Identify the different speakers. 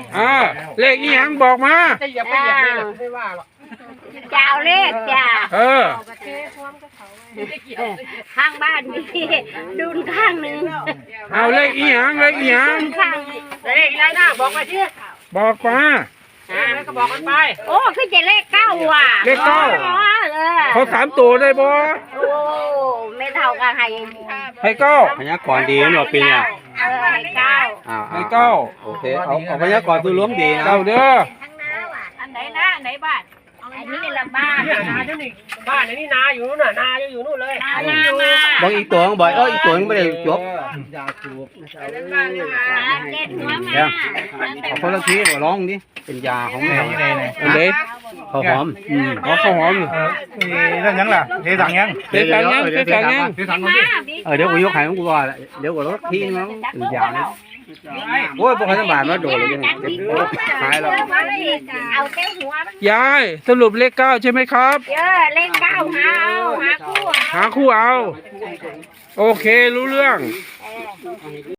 Speaker 1: เลขอีหยังบอกมา
Speaker 2: จะเหยียบไปเหยียบเลยไม่ว่าหรอก
Speaker 3: จ้าเลขจ้า ข้างบ้านมีดุนข้างหนึ่ง
Speaker 1: เอาเลขอีหยังเลขอีหยัง
Speaker 3: ข้างหนึ่ง
Speaker 2: เลขอะไรนะบอกมาสิ
Speaker 1: บอกมา
Speaker 2: แล้วก็บอกกันไป
Speaker 3: โอ้คือจะเลขเก้าว่ะ
Speaker 1: เลขเก้า
Speaker 3: เขา
Speaker 1: เขา3 ตัวได้บ่
Speaker 3: โอ้ไม่เท่ากันให้
Speaker 1: ให้เก้า
Speaker 4: พยากรณ์ดีนะปีเนี่ย
Speaker 3: ให้เก้า
Speaker 1: ให้เก้า
Speaker 4: โอเคเอาพยากรณ์ตัวล้มดีนะ
Speaker 1: เก้าเด้อ
Speaker 3: อันไหนนะอันไหนบ้านอันนี้ละบ้าน
Speaker 2: เนี่ยนาเจ้านี่บ้านนี่นาอยู่นู่นน่ะนาอยู่นู่นเลย
Speaker 3: นามา
Speaker 4: บอกอีกตัวบอกอีกตัวไม่ได้จบ
Speaker 3: เจ็ดหัวมา
Speaker 4: เอาคนละทีมาร้องดิเป็นยาของแมว
Speaker 1: อันเด็ก
Speaker 4: เขาหอม
Speaker 1: อ๋อข้าวหอมอยู่
Speaker 5: เรื่องยังล่ะเทสังยัง
Speaker 1: เด็กกันยังเด็กกันยัง
Speaker 4: เดี๋ยวกูยกให้มึงกูว่าเดี๋ยวกูรถทีน้องเป็นยาเนี่ยโอ้ยพวกเขาจะบาดมาโดนเลยยังหายแล้ว
Speaker 3: เอาเต้หัวมัน
Speaker 1: ยายสรุปเลขเก้าใช่ไหมครับ
Speaker 3: เยอะเลขเก้าหาเอาหาคู่
Speaker 1: หาคู่เอา โอเครู้เรื่อง